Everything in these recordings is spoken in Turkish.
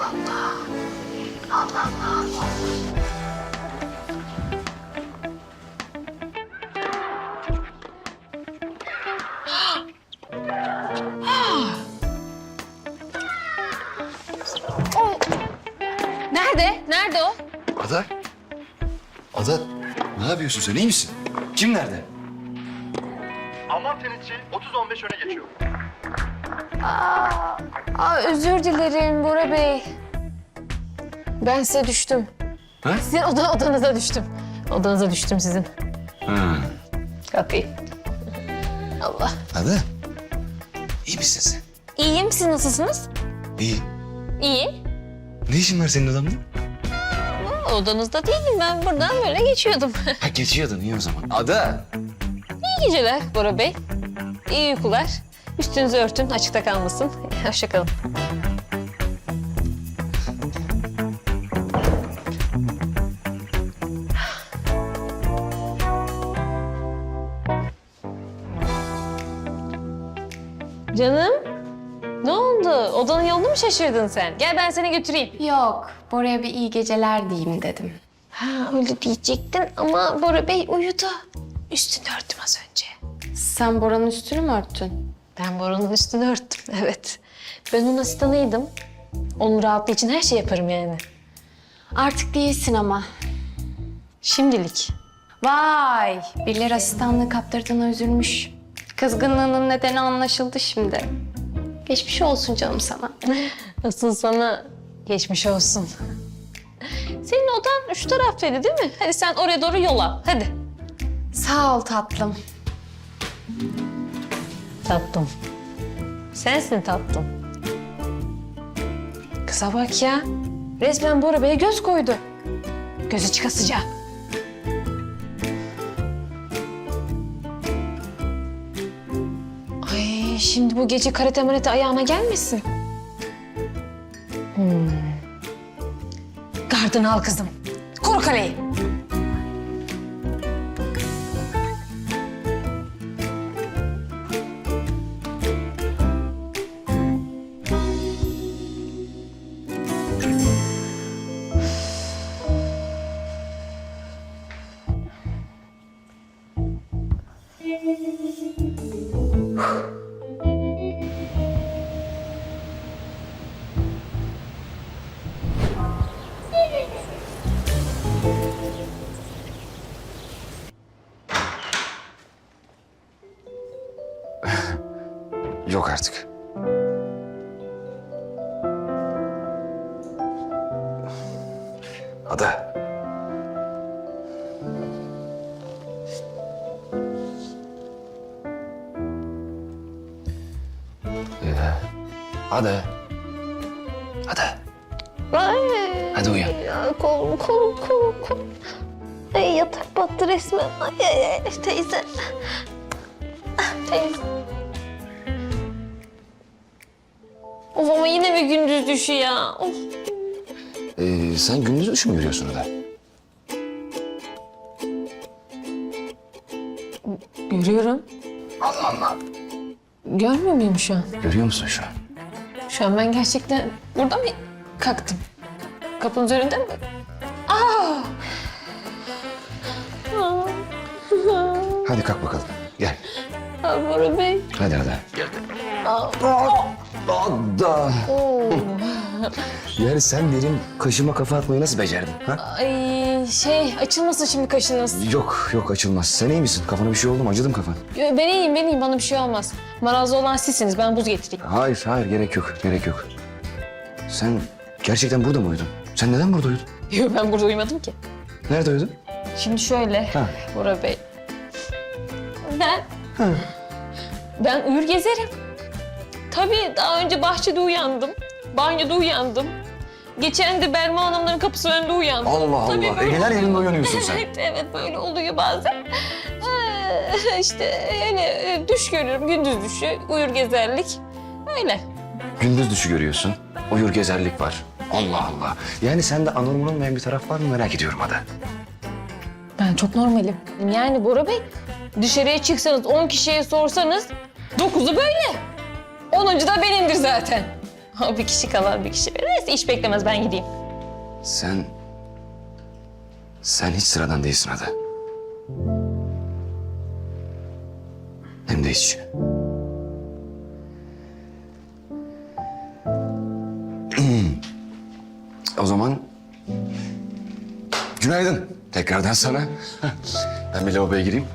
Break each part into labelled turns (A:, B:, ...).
A: Allah. Allah Allah. Nerede? Nerede o?
B: Ada? Ada, ne yapıyorsun sen? İyi misin? Kim nerede?
C: Alman tenisçi 30-15 öne geçiyor.
A: Özür dilerim Bora Bey. Ben size düştüm.
B: Ha?
A: Sizin odanıza düştüm. Odanıza düştüm sizin.
B: Ha.
A: Kalkayım. Allah.
B: Ada, iyi misin sen?
A: İyiyim. Siz nasılsınız?
B: İyi.
A: İyi.
B: Ne işin var senin adamla?
A: Odanızda değilim. Ben buradan böyle geçiyordum.
B: Ha, geçiyordun iyi o zaman. Ada!
A: İyi geceler Bora Bey. İyi uykular. Üstünüzü örtün. Açıkta kalmasın. Hoşça kalın. Canım, ne oldu? Odanın yolunu mu şaşırdın sen? Gel ben seni götüreyim.
D: Yok, Bora'ya bir iyi geceler diyeyim dedim.
A: Ha öyle diyecektin ama Bora Bey uyudu. Üstünü örttüm az önce.
D: Sen Bora'nın üstünü mü örttün?
A: Ben Bora'nın üstünü örttüm, evet. Ben onun asistanıydım. Onun rahatlığı için her şey yaparım yani.
D: Artık değilsin ama.
A: Şimdilik.
D: Vay, birileri asistanlığı kaptırdığına üzülmüş. Kızgınlığının nedeni anlaşıldı şimdi. Geçmiş olsun canım sana.
A: Asıl sana geçmiş olsun. Senin odan şu taraftaydı değil mi? Hadi sen oraya doğru yola, hadi.
D: Sağ ol tatlım.
A: Tatlım. Sensin tatlım. Kıza bak ya. Resmen Bora Bey'e göz koydu. Gözü çıkasıca. Ay şimdi bu gece karate marate ayağına gelmesin. Gardını al kızım. Koru kaleyi.
B: Yok artık. Ada. Ada. Ada.
A: Ay,
B: Hadi uyan.
A: ya, kolum. Ay, yatak battı resmen. Ay, teyze. Teyze. Of ama yine bir gündüz düşü ya. Of.
B: Sen gündüz düşü mü yürüyorsun Ada?
A: Görüyorum.
B: Allah Allah.
A: Görmüyor muyum şu an?
B: Görüyor musun şu an?
A: Şu an ben gerçekten burada mı kalktım? Kapının üzerinde mi? Aa!
B: Hadi kalk bakalım. Gel.
A: Bora Bey.
B: Hadi Ada. Gel. Ada. Yani sen benim kaşıma kafa atmayı nasıl becerdin? Ha?
A: Ay açılmasın şimdi kaşınız.
B: Yok açılmaz. Sen iyi misin? Kafana bir şey oldu mu? Acıdı mı kafan?
A: Ben iyiyim. Bana bir şey olmaz. Marazlı olan sizsiniz. Ben buz getireyim.
B: Hayır gerek yok. Sen gerçekten burada mı uyudun? Sen neden burada uyudun?
A: Yok ben burada uyumadım ki.
B: Nerede uyudun?
A: Şimdi şöyle
B: Ha.
A: Bora Bey. Ben uyur gezerim. Tabii daha önce bahçede uyandım. Banyoda uyandım. Geçen de Berma Hanımların kapısı önünde uyandım.
B: Allah
A: Tabii
B: Allah.
A: böyle-
B: Egeler yerinde uyanıyorsun sen.
A: Evet böyle oluyor bazen. İşte öyle düş görüyorum, gündüz düşü, uyur gezerlik. Öyle.
B: Gündüz düşü görüyorsun. Uyur gezerlik var. Allah Allah. Yani sende anormal olmayan bir taraf var mı merak ediyorum Ada.
A: Ben çok normalim. Yani Bora Bey, dışarıya çıksanız 10 kişiye sorsanız 9'u böyle. 10'uncu da benimdir zaten. O bir kişi kalan bir kişi. Neyse iş beklemez ben gideyim.
B: Sen hiç sıradan değilsin Ada. Hem de hiç. O zaman günaydın tekrardan sana. Ben bir lavaboya gireyim.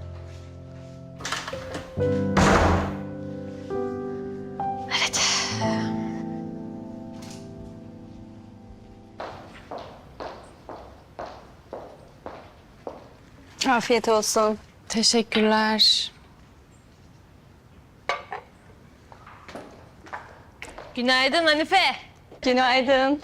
E: Afiyet olsun.
D: Teşekkürler.
A: Günaydın Hanife.
E: Günaydın.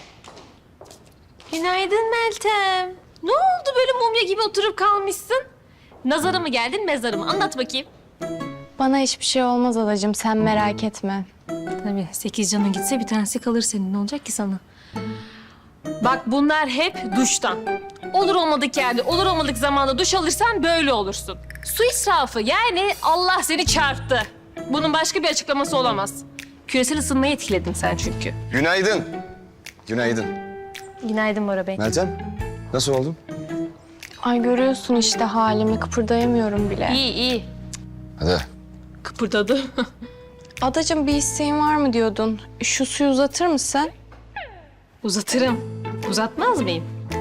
A: Günaydın Meltem. Ne oldu böyle mumya gibi oturup kalmışsın? Nazara mı geldin, mezara mı? Anlat bakayım.
D: Bana hiçbir şey olmaz adacığım, sen merak etme.
A: Tabii 8 canın gitse bir tanesi kalır senin. Ne olacak ki sana? Bak bunlar hep duştan. Olur olmadık yerde, olur olmadık zamanda duş alırsan böyle olursun. Su israfı yani Allah seni çarptı. Bunun başka bir açıklaması olamaz. Küresel ısınmayı etkiledin sen çünkü.
B: Günaydın. Günaydın.
A: Günaydın Bora Bey.
B: Meltem, nasıl oldun?
D: Ay görüyorsun işte halimi, kıpırdayamıyorum bile.
A: İyi iyi.
B: Ada,
A: Kıpırdadı.
D: Adacığım bir isteğin var mı diyordun? Şu suyu uzatır mısın?
A: Uzatırım. Uzatmaz mıyım?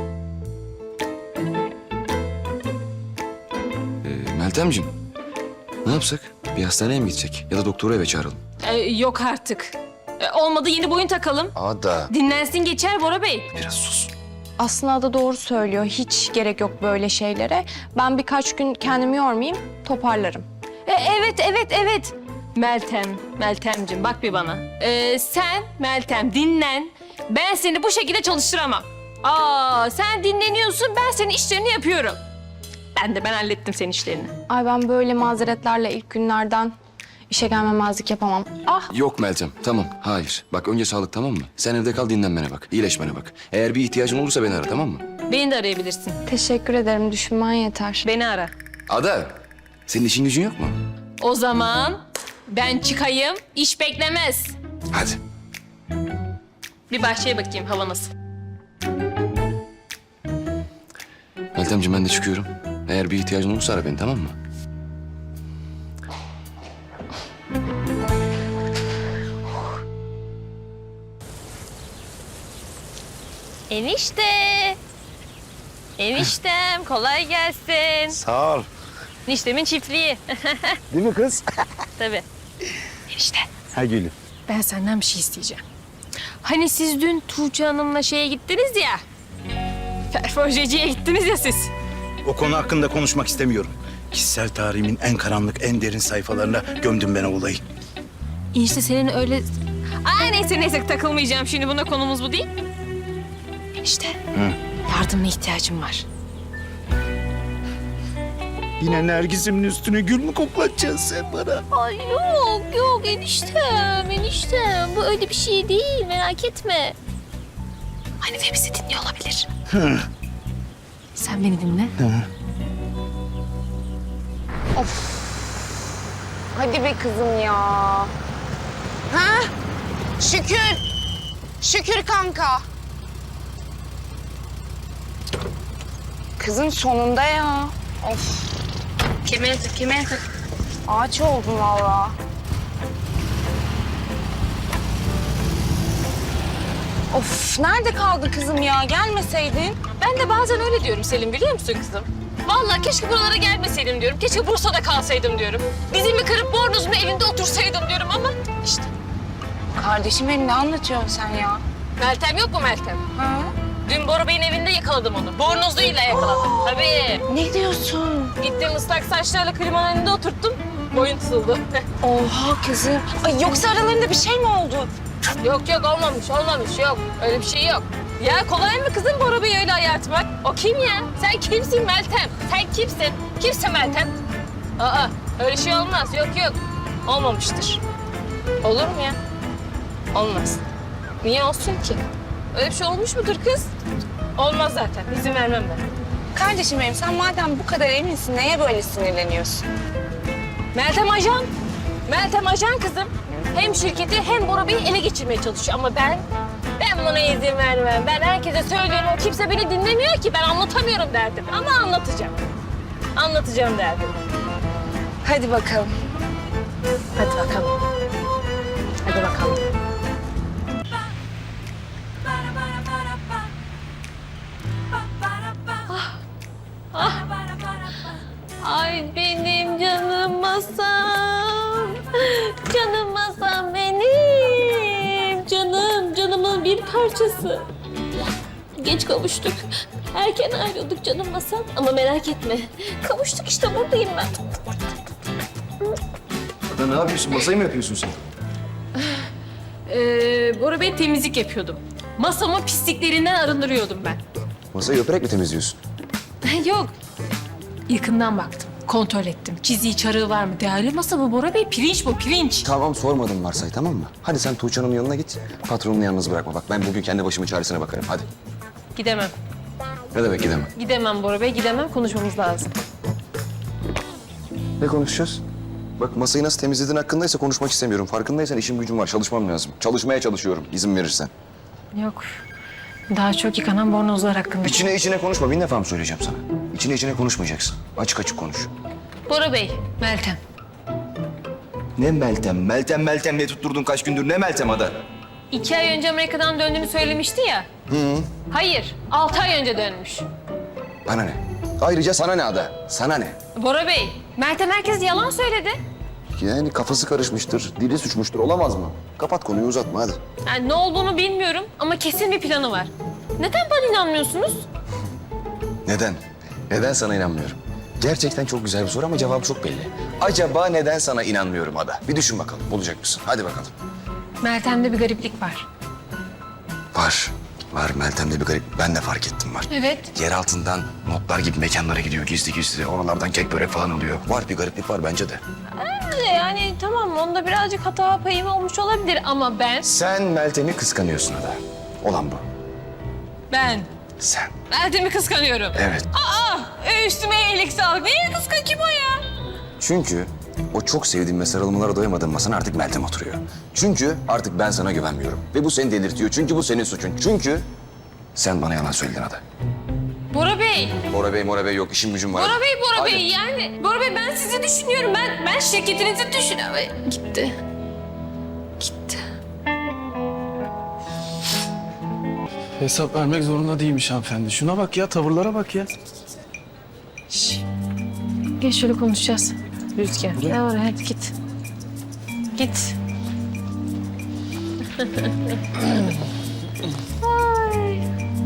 B: Meltemciğim, ne yapsak? Bir hastaneye mi gidecek? Ya da doktoru eve çağıralım.
A: Yok artık. Olmadı yeni boyun takalım.
B: Ada.
A: Dinlensin geçer Bora Bey.
B: Biraz sus.
D: Aslında Ada doğru söylüyor. Hiç gerek yok böyle şeylere. Ben birkaç gün kendimi yormayayım, toparlarım.
A: Evet. Meltemciğim bak bir bana. Sen Meltem dinlen. Ben seni bu şekilde çalıştıramam. Sen dinleniyorsun, ben senin işlerini yapıyorum. Ben hallettim senin işlerini.
D: Ay ben böyle mazeretlerle ilk günlerden işe gelmemezlik yapamam. Ah
B: Yok Meltem, tamam. Hayır. Bak önce sağlık, tamam mı? Sen evde kal, dinlenmene bak. İyileşmene bak. Eğer bir ihtiyacın olursa beni ara, tamam mı?
A: Beni de arayabilirsin.
D: teşekkür ederim, düşünmen yeter.
A: Beni ara.
B: Ada, senin işin gücün yok mu?
A: O zaman ben çıkayım, iş beklemez.
B: Hadi.
A: Bir bahçeye bakayım hava nasıl.
B: Meltemciğim ben de çıkıyorum. Eğer bir ihtiyacın olursa ara beni, tamam mı?
A: Enişte. Eniştem kolay gelsin.
C: Sağ ol.
A: Eniştemin çiftliği.
C: Değil mi kız?
A: Tabii. Enişte.
C: Ha gülüm.
A: Ben senden bir şey isteyeceğim. Hani siz dün Tuğçe Hanım'la şeye gittiniz ya. Perforjeciye gittiniz ya siz.
F: O konu hakkında konuşmak istemiyorum. Kişisel tarihimin en karanlık, en derin sayfalarına gömdüm ben o olayı.
A: İşte senin öyle... neyse takılmayacağım şimdi. Buna konumuz bu değil. Enişte. Yardımına ihtiyacım var.
F: Yine Nergis'imin üstüne gül mü koklatacaksın sen bana?
A: Ay yok eniştem. Bu öyle bir şey değil. Merak etme. Hanife bizi dinliyor olabilir. Sen beni dinle.
E: Hadi be kızım ya. Ha? Şükür. Şükür kanka. Kızım sonunda ya. Of. Kemer tak. Ağaç oldum valla. Of, nerede kaldı kızım ya? Gelmeseydin.
A: Ben de bazen öyle diyorum Selim, biliyor musun kızım? Vallahi keşke buralara gelmeseydim diyorum. Keşke Bursa'da kalsaydım diyorum. Dizimi kırıp bornozun evinde otursaydım diyorum ama işte.
E: Kardeşim benim, ne anlatıyorsun sen ya?
A: Meltem yok mu Meltem?
E: Ha?
A: Dün Bora Bey'in evinde yakaladım onu. Bornozluğuyla yakaladım. Tabii.
E: Ne diyorsun?
A: Gittim ıslak saçlarla klimanın önünde oturttum. Boyun tutuldu.
E: Oha kızım. Ay yoksa aralarında bir şey mi oldu?
A: Yok olmamış yok. Öyle bir şey yok. Ya kolay mı kızım Bora Bey'i öyle ayartmak? O kim ya? Sen kimsin Meltem? Sen kimsin? Kimsin Meltem? Öyle şey olmaz. Yok. Olmamıştır. Olur mu ya? Olmaz. Niye olsun ki? Öyle bir şey olmuş mudur kız? Olmaz zaten. İzin vermem ben.
E: Kardeşim benim, sen madem bu kadar eminsin neye böyle sinirleniyorsun?
A: Meltem ajan. Meltem ajan kızım. Hem şirketi hem Bora Bey'i ele geçirmeye çalışıyor. Ama ben buna izin vermem. Ben herkese söylüyorum. O kimse beni dinlemiyor ki. Ben anlatamıyorum derdim. Ama anlatacağım. Anlatacağım derdim. Hadi bakalım. Hadi bakalım. Hadi bakalım. Ay benim canım masam. Canım masam benim. Canımın bir parçası. Geç kavuştuk. Erken ayrıldık canım masam. Ama merak etme. Kavuştuk işte buradayım ben.
B: Ada ne yapıyorsun? Masayı mı yapıyorsun sen?
A: Bora Bey temizlik yapıyordum. Masamı pisliklerinden arındırıyordum ben.
B: Masayı öperek mi temizliyorsun?
A: Yok. Yakından baktım. Kontrol ettim. Çiziği, çarığı var mı? Değerli masa bu Bora Bey. Pirinç bu, pirinç.
B: Tamam sormadım Marsay, tamam mı? Hadi sen Tuğçe Hanım'ın yanına git. Patronunu yalnız bırakma. Bak ben bugün kendi başımın çaresine bakarım. Hadi.
A: Gidemem.
B: Ne demek gidemem?
A: Gidemem Bora Bey, gidemem. Konuşmamız lazım.
B: Ne konuşacağız? Bak masayı nasıl temizlediğin hakkındaysa konuşmak istemiyorum. Farkındaysan işim gücüm var. Çalışmam lazım. Çalışmaya çalışıyorum izin verirsen.
A: Yok. Daha çok yıkanan bornozlar hakkında.
B: İçine konuşma. Bin defa mı söyleyeceğim sana? İçine konuşmayacaksın. Açık açık konuş.
A: Bora Bey, Meltem.
B: Ne Meltem? Meltem ne tutturdun kaç gündür? Ne Meltem Ada?
A: 2 ay önce Amerika'dan döndüğünü söylemişti ya. Hayır, 6 ay önce dönmüş.
B: Bana ne? Ayrıca sana ne Ada? Sana ne?
A: Bora Bey, Meltem herkes yalan söyledi.
B: Yani kafası karışmıştır, dili suçmuştur. Olamaz mı? Kapat konuyu uzatma hadi.
A: Yani ne olduğunu bilmiyorum ama kesin bir planı var. Neden bana inanmıyorsunuz?
B: Neden? Neden sana inanmıyorum? Gerçekten çok güzel bir soru ama cevabı çok belli. Acaba neden sana inanmıyorum Ada? Bir düşün bakalım, bulacak mısın? Hadi bakalım.
A: Meltem'de bir gariplik var.
B: Var Meltem'de bir garip. Ben de fark ettim var.
A: Evet.
B: Yer altından notlar gibi mekanlara gidiyor gizli. Oralardan kek börek falan alıyor. Var bir gariplik var bence de.
A: Yani tamam onda birazcık hata payım olmuş olabilir ama
B: Sen Meltem'i kıskanıyorsun Ada. Olan bu.
A: ben
B: Sen.
A: Meltem'i kıskanıyorum.
B: Evet.
A: Üstüme iyilik sağlık. Neye kıskan kim o ya?
B: Çünkü o çok sevdiğim ve sarılmalara doyamadığım masana artık Meltem oturuyor. Çünkü artık ben sana güvenmiyorum. Ve bu seni delirtiyor. Çünkü bu senin suçun. Çünkü sen bana yalan söyledin Ada.
A: Bora Bey.
B: Bora Bey yok. İşim gücüm var.
A: Bora
B: Hadi.
A: Bey yani. Bora Bey ben sizi düşünüyorum. Ben şirketinizi düşünüyorum. Gitti.
G: Hesap vermek zorunda değilmiş hanımefendi. Şuna bak ya, tavırlara bak ya.
A: Gel şöyle konuşacağız. Rüzgar. Gel oraya hadi git. Git. Ay.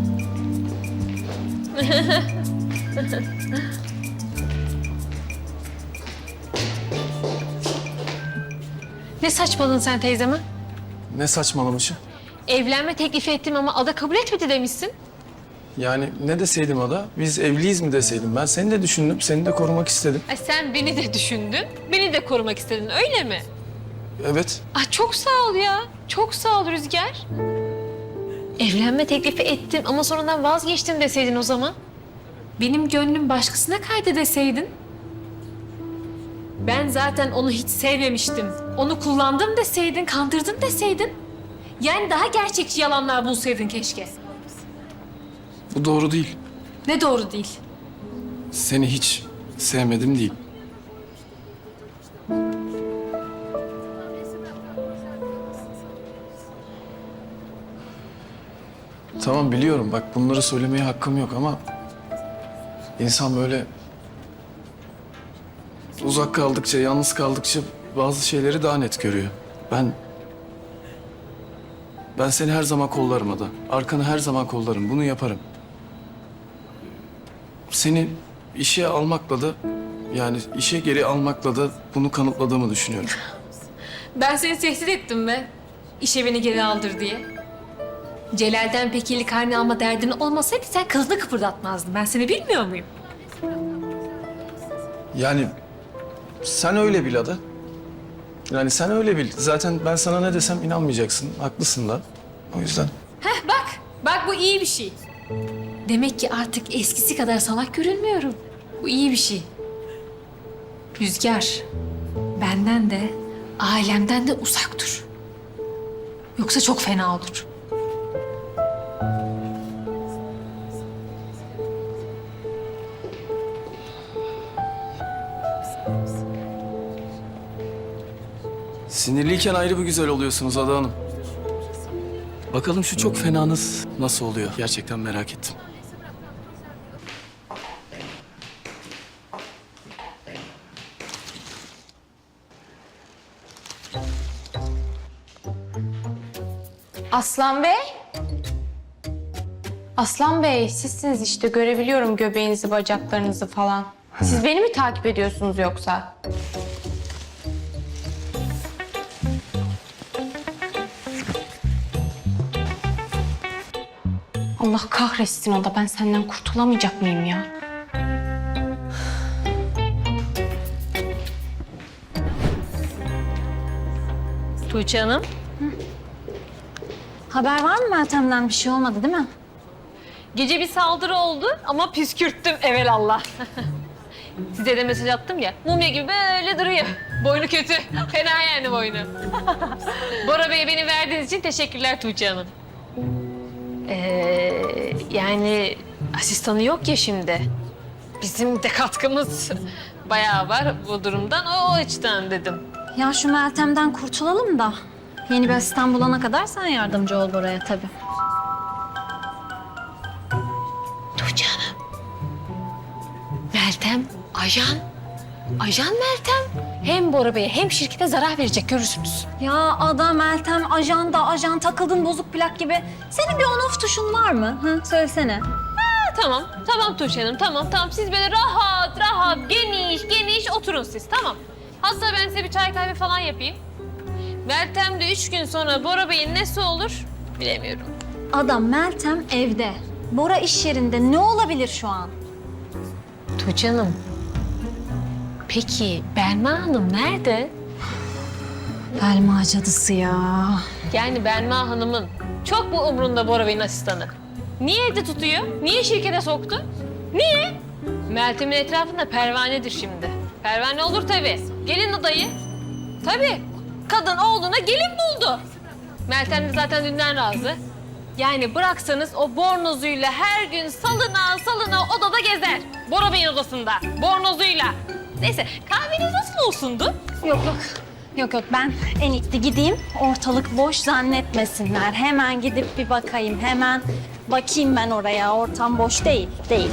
A: Ne saçmaladın sen teyzeme?
G: Ne saçmalamışı.
A: Evlenme teklifi ettim ama Ada kabul etmedi demişsin.
G: Yani ne deseydim Ada? Biz evliyiz mi deseydim? Ben seni de düşündüm, seni de korumak istedim.
A: Ay sen beni de düşündün, beni de korumak istedin öyle mi?
G: Evet.
A: Ay çok sağ ol ya. Çok sağ ol Rüzgar. Evlenme teklifi ettim ama sonradan vazgeçtim deseydin o zaman. Benim gönlüm başkasına kaydı deseydin. Ben zaten onu hiç sevmemiştim. Onu kullandım deseydin, kandırdım deseydin. Yani daha gerçekçi yalanlar bulsaydın keşke.
G: Bu doğru değil.
A: Ne doğru değil.
G: Seni hiç sevmedim değil. Tamam biliyorum bak bunları söylemeye hakkım yok ama... ...insan böyle... ...uzak kaldıkça, yalnız kaldıkça bazı şeyleri daha net görüyor. Ben seni her zaman kollarım Ada. Arkanı her zaman kollarım. Bunu yaparım. Seni işe almakla da... ...yani işe geri almakla da bunu kanıtladığımı düşünüyorum.
A: Ben seni tehdit ettim be. İşe beni geri aldır diye. Celal'den pekili karne alma derdin olmasaydı sen kılını kıpırdatmazdın. Ben seni bilmiyor muyum?
G: Yani sen öyle bil Ada. Yani sen öyle bil. Zaten ben sana ne desem inanmayacaksın. Haklısın da. O yüzden.
A: Heh bak. Bak bu iyi bir şey. Demek ki artık eskisi kadar salak görünmüyorum. Bu iyi bir şey. Rüzgar, benden de ailemden de uzak dur. Yoksa çok fena olur.
G: Sinirliyken ayrı bir güzel oluyorsunuz Ada Hanım. Bakalım şu çok fenanız nasıl oluyor? Gerçekten merak ettim.
D: Aslan Bey. Aslan Bey, sizsiniz işte. Görebiliyorum göbeğinizi, bacaklarınızı falan. Siz beni mi takip ediyorsunuz yoksa? Allah kahretsin o da. Ben senden kurtulamayacak mıyım ya?
A: Tuğçe Hanım.
E: Haber var mı Meltem'den? Bir şey olmadı değil mi?
A: Gece bir saldırı oldu ama püskürttüm evelallah. Size de mesaj attım ya. Mumya gibi böyle duruyor. Boynu kötü. Fena yani boynu. Bora Bey'e beni verdiğiniz için teşekkürler Tuğçe Hanım. Yani asistanı yok ya şimdi. Bizim de katkımız bayağı var bu durumdan. O açıdan dedim.
E: Ya şu Meltem'den kurtulalım da yeni bir asistan bulana kadar sen yardımcı ol Bora'ya tabii.
A: Tuğçe Hanım. Meltem, ajan. Ajan Meltem. Hem Bora Bey'e hem şirkete zarar verecek görürsünüz.
E: Ya Ada, Meltem, ajan da ajan, takıldın bozuk plak gibi. Senin bir on-off tuşun var mı? Hı? Söylesene.
A: Tamam, tamam Tuğçe Hanım, tamam. Siz böyle rahat, geniş oturun siz, tamam. Hatta ben size bir çay kahve falan yapayım. Meltem de 3 gün sonra Bora Bey'in nesi olur bilemiyorum.
E: Ada, Meltem evde. Bora iş yerinde. Ne olabilir şu an?
A: Tuğçe Hanım, peki Belma Hanım nerede?
E: Belma cadısı ya.
A: Yani Belma Hanım'ın çok mu umrunda Bora Bey'in asistanı? Niye evde tutuyor? Niye şirkete soktu? Niye? Meltem'in etrafında pervanedir şimdi. Pervane olur tabii. Gelin adayı. Tabii. Kadın oğluna gelin buldu. Meltem de zaten dünden razı. Yani bıraksanız o bornozuyla her gün salına odada gezer. Bora Bey'in odasında. Bornozuyla. Neyse kahveniz nasıl olsundu?
E: Yok ben en iyisi gideyim. Ortalık boş zannetmesinler. Hemen gidip bir bakayım. Hemen bakayım ben oraya. Ortam boş değil. Değil.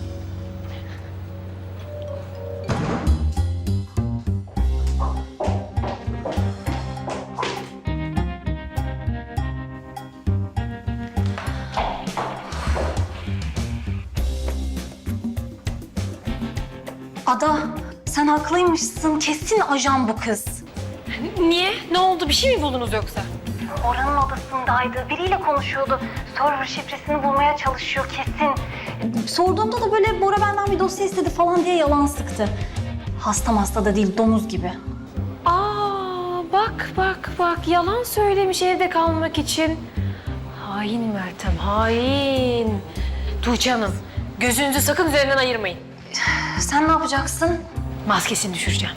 E: Ada, sen haklıymışsın. Kesin ajan bu kız.
A: Niye? Ne oldu? Bir şey mi buldunuz yoksa?
E: Bora'nın odasındaydı. Biriyle konuşuyordu. Server şifresini bulmaya çalışıyor kesin. Sorduğumda da böyle Bora benden bir dosya istedi falan diye yalan sıktı. Hasta da değil, domuz gibi.
A: Aa, bak. Yalan söylemiş evde kalmak için. Hain Meltem, hain. Tuğçe Hanım, gözünüzü sakın üzerinden ayırmayın.
E: Sen ne yapacaksın?
A: Maskesini düşüreceğim.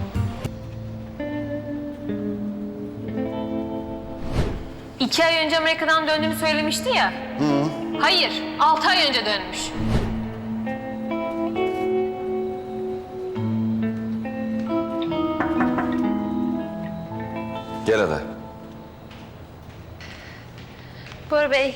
A: İki ay önce Amerika'dan döndüğümü söylemişti ya. Hayır, 6 ay önce dönmüş.
B: Gel Ada.
A: Bora Bey,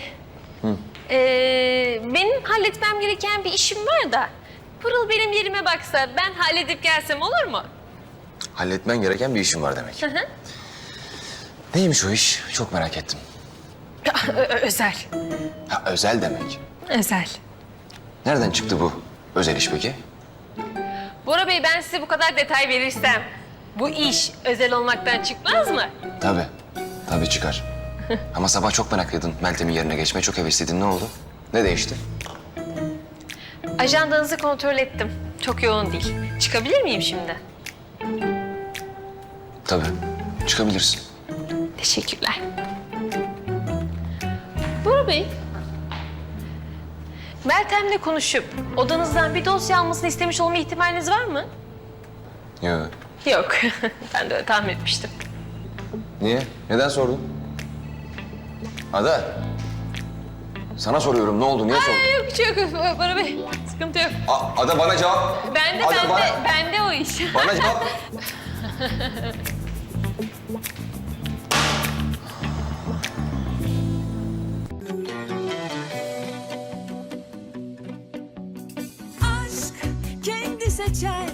A: benim halletmem gereken bir işim var da... Pırıl benim yerime baksa ben halledip gelsem olur mu?
B: Halletmen gereken bir işin var demek.
A: Hı.
B: Neymiş o iş? Çok merak ettim.
A: Özel.
B: Ha, özel demek.
A: Özel.
B: Nereden çıktı bu özel iş peki?
A: Bora Bey ben size bu kadar detay verirsem bu iş özel olmaktan çıkmaz mı?
B: Tabii çıkar. Ama sabah çok meraklıydın. Meltem'in yerine geçmeye çok hevesliydin. Ne oldu? Ne değişti?
A: Ajandanızı kontrol ettim. Çok yoğun değil. Çıkabilir miyim şimdi?
B: Tabii. Çıkabilirsin.
A: Teşekkürler. Bora Bey, Meltem'le konuşup odanızdan bir dosya almasını istemiş olma ihtimaliniz var mı?
B: Yok.
A: Yok. Ben de öyle tahmin etmiştim.
B: Niye? Neden sordun? Ada. Sana soruyorum ne oldu? Niye sordun?
A: Yok bir şey yok Bora Bey. Sıkıntı yok.
B: Ada bana cevap. Ada bana-
A: Bende o iş.
B: Bana cevap.
H: aşk kendi seçer